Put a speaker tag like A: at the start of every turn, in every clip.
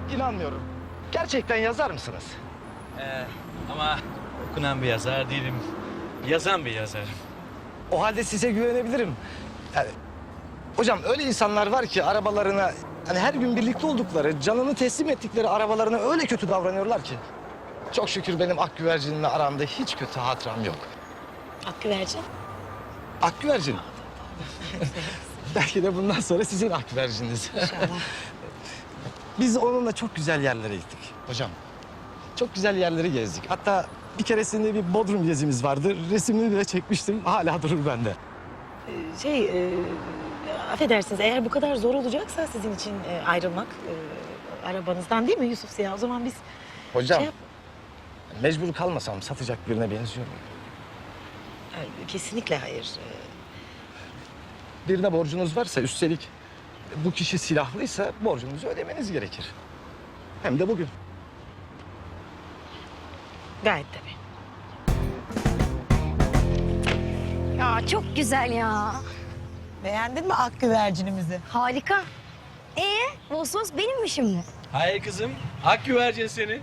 A: İnanmıyorum. Gerçekten yazar mısınız?
B: Ama okunan bir yazar değilim. Yazan bir yazarım.
A: O halde size güvenebilirim. Yani, hocam öyle insanlar var ki arabalarına... Hani her gün birlikte oldukları, canını teslim ettikleri arabalarına öyle kötü davranıyorlar ki. Çok şükür benim Akgüvercin'le aramda hiç kötü hatıram yok.
C: Akgüvercin.
A: Akgüvercin. Belki de bundan sonra sizin Akgüvercin'iniz.
C: İnşallah.
A: Biz onunla çok güzel yerlere gittik hocam. Çok güzel yerleri gezdik. Hatta bir keresinde bir Bodrum gezimiz vardı. Resimini bile çekmiştim. Hala durur bende.
C: Affedersiniz eğer bu kadar zor olacaksa sizin için ayrılmak arabanızdan değil mi Yusuf Ziya? O zaman biz
A: Hocam,
C: Şey yap-
A: mecbur kalmasam satacak birine benziyor muyum?
C: kesinlikle hayır.
A: Birine borcunuz varsa üstelik bu kişi silahlıysa borcunuzu ödemeniz gerekir. Hem de bugün.
C: Gayet tabii.
D: Ya çok güzel ya.
E: Beğendin mi ak güvercinimizi?
D: Harika. Vosvos benim mi şimdi?
B: Hayır kızım. Hak güvercin seni.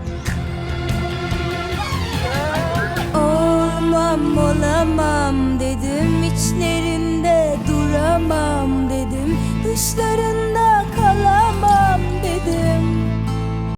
F: Olmam olamam dedim, içlerinde duramam dedim. Dışları